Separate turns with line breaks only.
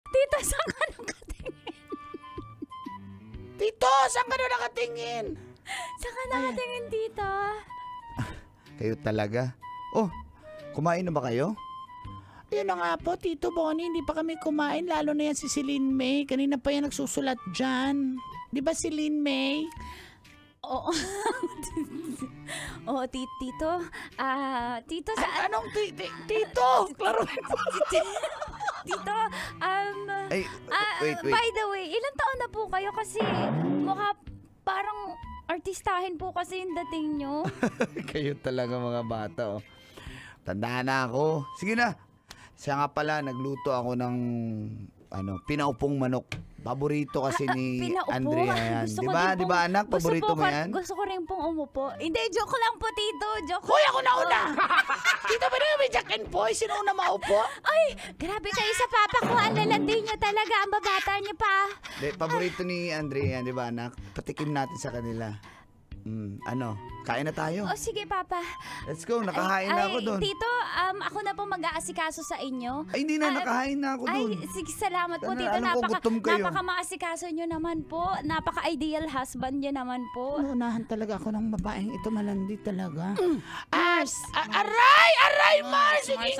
Tito, saan ka nakatingin?
Tito, saan ka na nakatingin?
Saan ka nakatingin, Tito?
Kayo talaga. Oh, kumain na ba kayo? Ayun na nga po, Tito Bonnie, hindi pa kami kumain, lalo na yan si Celine May. Kanina pa yan nagsusulat dyan. Di ba Celine May?
Oo. Oo, Tito. Tito,
Anong Tito? Klaro.
Tito,
Ay, wait.
by the way, ilang taon na po kayo kasi mukha parang artistahin po kasi yung dating nyo.
Kayo talaga mga bata, oh. Tandaan na ako. Sige na. Siya nga pala, nagluto ako ng pinaupong manok. Paborito kasi ni
pinaupo?
Andrea yan.
Gusto
Di
ko
ba?
din
Di ba anak? Paborito mo yan?
Gusto ko rin pong umupo. Hindi, joke lang po, Tito. Joke.
Hoy, ako na una! Dito ba na may Jack and Poy? Sino una maupo?
Ay, grabe kayo sa papa ko. Ang lalandi nyo talaga. Ang babata nyo pa.
Di, paborito ni Andrea yan, di ba anak? Patikim natin sa kanila. Kain na tayo.
O, sige, papa.
Let's go, nakahain na ako doon.
Tito, ako na po mag-aasikaso sa inyo.
Ay, hindi na, nakahain na ako doon.
Ay, sige, salamat po,
Sana,
Tito.
alam ko gutom kayo.
Napaka-maasikaso nyo naman po. Napaka-ideal husband nyo naman po.
Unahan talaga ako ng babaeng ito, malandi talaga. Aray, Mars! Sige